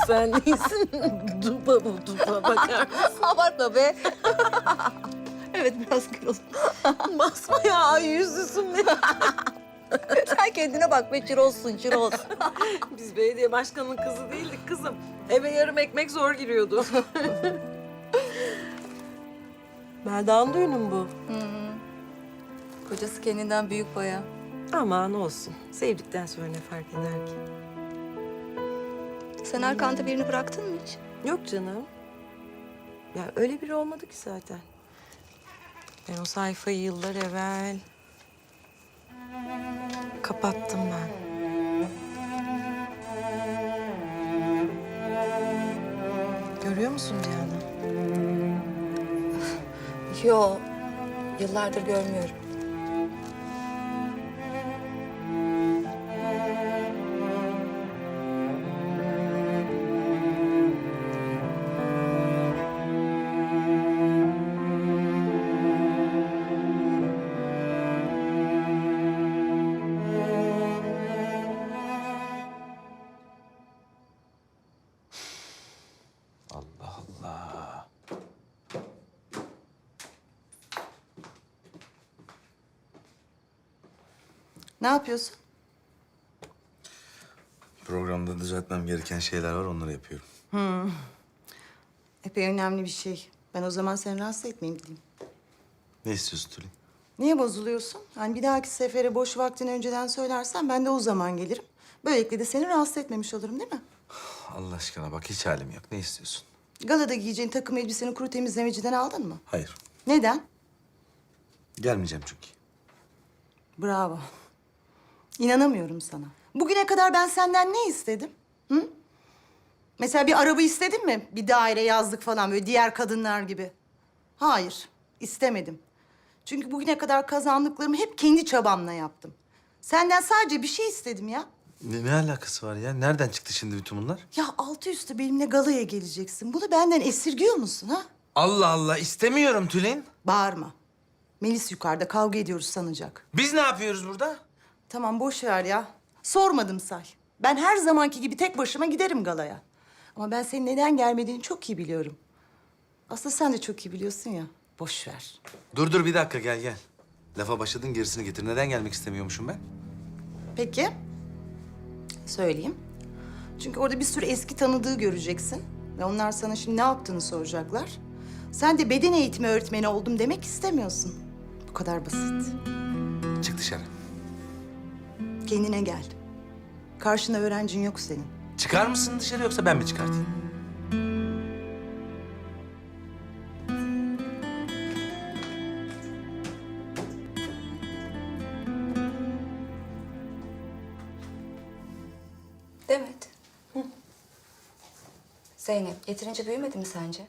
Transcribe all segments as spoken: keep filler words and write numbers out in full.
sen değilsin. Duba bu duba, bakar mısın? Abartma be. Evet, biraz kırıldım. Basma ya, ay yüzlüsün ne? Sen kendine bak be, çirozsun, çiroz. Biz belediye başkanının kızı değildik kızım. Eve yarım ekmek zor giriyordu. Melda'nın düğünü mü bu? Kocası kendinden büyük bayağı. Aman olsun. Sevdikten sonra ne fark eder ki? Sen arkanda birini bıraktın mı hiç? Yok canım. Ya öyle biri olmadı ki zaten. Ben o sayfayı yıllar evvel kapattım ben. Görüyor musun Cihan'ı? Yo, yıllardır görmüyorum. Allah Allah. Ne yapıyorsun? Programda düzeltmem gereken şeyler var, onları yapıyorum. Epey önemli bir şey. Ben o zaman seni rahatsız etmeyeyim gideyim. Ne istiyorsun Tülin? Niye bozuluyorsun? Hani bir dahaki sefere boş vaktini önceden söylersen ben de o zaman gelirim. Böylelikle de seni rahatsız etmemiş olurum değil mi? Allah aşkına bak, hiç halim yok. Ne istiyorsun? Galada giyeceğin takım elbiseni kuru temizlemeciden aldın mı? Hayır. Neden? Gelmeyeceğim çünkü. Bravo. İnanamıyorum sana. Bugüne kadar ben senden ne istedim? Hı? Mesela bir araba istedin mi? Bir daire, yazlık falan böyle diğer kadınlar gibi. Hayır, istemedim. Çünkü bugüne kadar kazandıklarımı hep kendi çabamla yaptım. Senden sadece bir şey istedim ya. Ne, ne alakası var ya? Nereden çıktı şimdi bütün bunlar? Ya altı üstü benimle galaya geleceksin. Bunu benden esirgiyor musun ha? Allah Allah, istemiyorum Tülin. Bağırma. Melis yukarıda kavga ediyoruz sanacak. Biz ne yapıyoruz burada? Tamam boş ver ya. Sormadım say. Ben her zamanki gibi tek başıma giderim galaya. Ama ben senin neden gelmediğini çok iyi biliyorum. Aslında sen de çok iyi biliyorsun ya. Boş ver. Dur dur, bir dakika, gel gel. Lafa başladın, gerisini getir. Neden gelmek istemiyormuşum ben? Peki. Söyleyeyim. Çünkü orada bir sürü eski tanıdığı göreceksin. Ve onlar sana şimdi ne yaptığını soracaklar. Sen de beden eğitimi öğretmeni oldum demek istemiyorsun. Bu kadar basit. Çık dışarı. Kendine gel. Karşında öğrencin yok senin. Çıkar mısın dışarı, yoksa ben mi çıkartayım? Demet. Hı. Zeynep, yeterince büyümedi mi sence?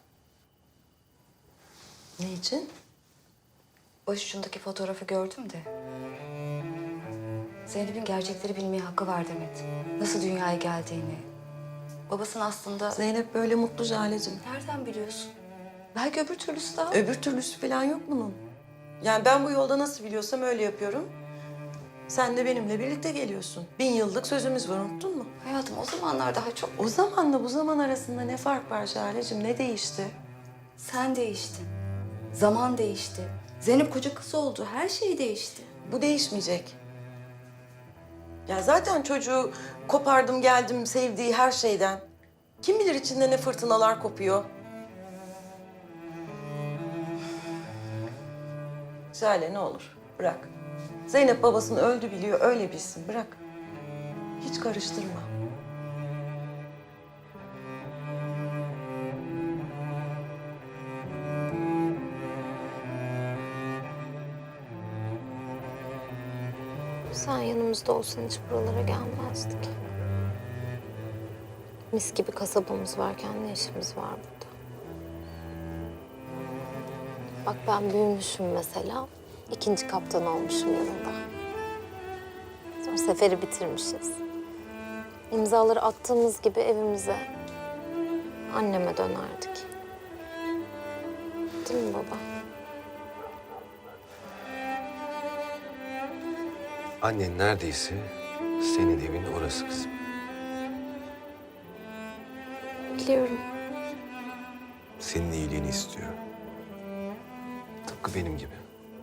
Ne için? Başucundaki fotoğrafı gördüm de. Zeynep'in gerçekleri bilmeye hakkı var Demet. Nasıl dünyaya geldiğini. Babasının aslında... Zeynep böyle mutlu Jale'cim. Nereden biliyorsun? Belki öbür türlüsü daha... Öbür türlüsü falan yok bunun. Yani ben bu yolda nasıl biliyorsam öyle yapıyorum. Sen de benimle birlikte geliyorsun. Bin yıllık sözümüz var, unuttun mu? Hayatım, o zamanlar daha çok... O zamanla bu zaman arasında ne fark var Jale'cim? Ne değişti? Sen değiştin. Zaman değişti. Zeynep koca kız oldu. Her şey değişti. Bu değişmeyecek. Ya zaten çocuğu kopardım geldim sevdiği her şeyden. Kim bilir içinde ne fırtınalar kopuyor. Jale ne olur bırak. Zeynep babasını öldü biliyor, öyle bilsin, bırak. Hiç karıştırma. Sen yanımızda olsan hiç buralara gelmezdik. Mis gibi kasabamız varken ne işimiz var burada? Bak ben büyümüşüm mesela. İkinci kaptan olmuşum yanında. Sonra seferi bitirmişiz. İmzaları attığımız gibi evimize, anneme dönerdik. Değil mi baba? Annen neredeyse senin evin orası kızım. Biliyorum. Senin iyiliğini istiyor. Tıpkı benim gibi.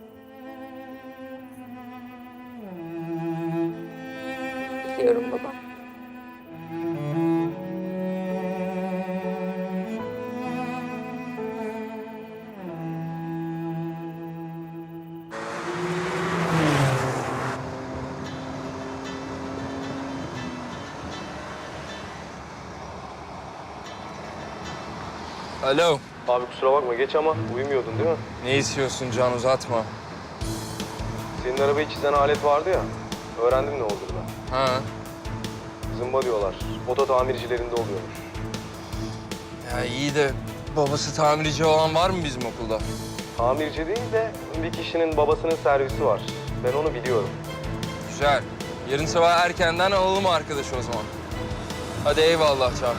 Biliyorum baba. Alo. Abi kusura bakma geç ama uyumuyordun değil mi? Ne istiyorsun Can, uzatma. Senin arabayı çizen alet vardı ya. Öğrendim ne olduğunu. Ha. Zımba diyorlar. Oto tamircilerinde oluyormuş. Ya iyi de babası tamirci olan var mı bizim okulda? Tamirci değil de bir kişinin babasının servisi var. Ben onu biliyorum. Güzel. Yarın sabah erkenden alalım arkadaşı o zaman. Hadi eyvallah Can.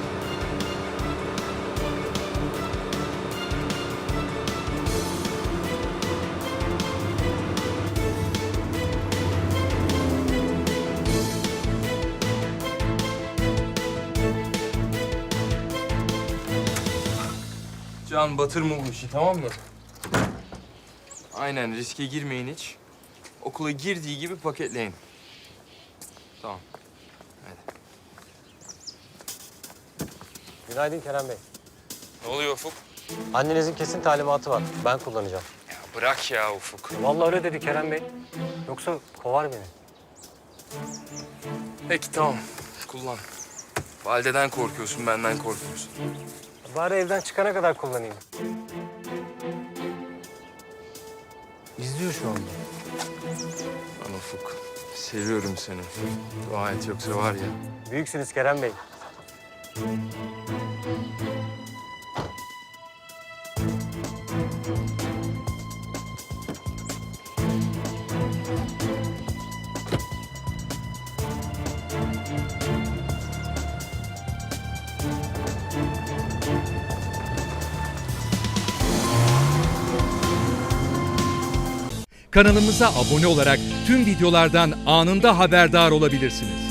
Can, batırma bu işi, tamam mı? Aynen, riske girmeyin hiç. Okula girdiği gibi paketleyin. Tamam. Hadi. Günaydın Kerem Bey. Ne oluyor Ufuk? Annenizin kesin talimatı var. Ben kullanacağım. Ya bırak ya Ufuk. Vallahi öyle dedi Kerem Bey. Yoksa kovar beni. Peki tamam, kullan. Valideden korkuyorsun, benden korkuyorsun. Bari evden çıkana kadar kullanayım. İzliyor şu anda. Lan Ufuk, seviyorum seni. Dua et yoksa var ya. Büyüksünüz Kerem Bey. Kanalımıza abone olarak tüm videolardan anında haberdar olabilirsiniz.